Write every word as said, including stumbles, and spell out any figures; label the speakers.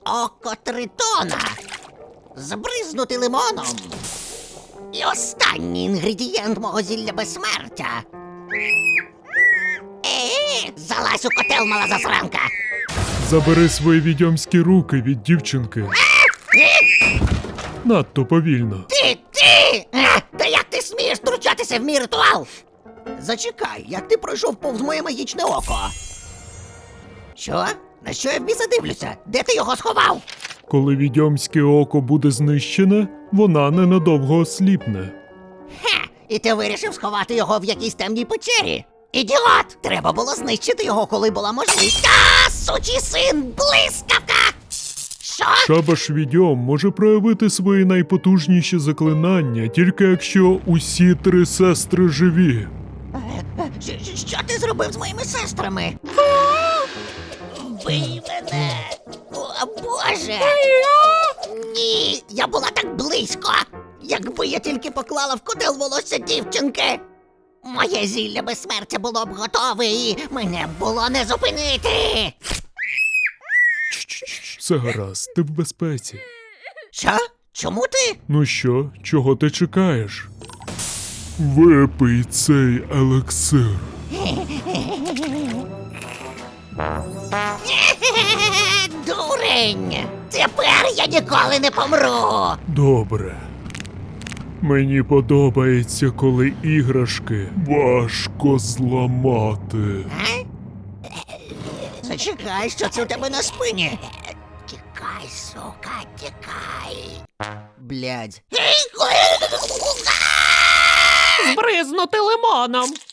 Speaker 1: Око тритона. Збризнути лимоном. І останній інгредієнт мого зілля безсмертя. Е, залазь у котел, мала засранка.
Speaker 2: Забери свої відьомські руки від дівчинки. Надто повільно.
Speaker 1: Ти, ти! Е, Та як ти смієш втручатися в мій ритуал? Зачекай, як ти пройшов повз моє магічне око? Що? На що я в біса дивлюся? Де ти його сховав?
Speaker 2: Коли відьомське око буде знищене, вона ненадовго осліпне.
Speaker 1: Хе, і ти вирішив сховати його в якійсь темній печері? Ідіот! Треба було знищити його, коли була можливість. А, сучий син, блискавка! Що?
Speaker 2: Шабаш відьом може проявити свої найпотужніші заклинання, тільки якщо усі три сестри живі.
Speaker 1: Щ- щ- Що ти зробив з моїми сестрами? Вбий мене! О, Боже! Ні, я була так близько! Якби я тільки поклала в котел волосся дівчинки! Моє зілля безсмертя було б готове і мене б було не зупинити!
Speaker 2: Все гаразд, ти в безпеці.
Speaker 1: Що? Чому ти?
Speaker 2: Ну що, чого ти чекаєш? Випий цей елексир.
Speaker 1: Дурень! Тепер я ніколи не помру!
Speaker 2: Добре. Мені подобається, коли іграшки важко зламати.
Speaker 1: А? Зачекай, що це у тебе на спині? Тікай, сука, тікай. Блядь.
Speaker 3: Збризнути лимоном.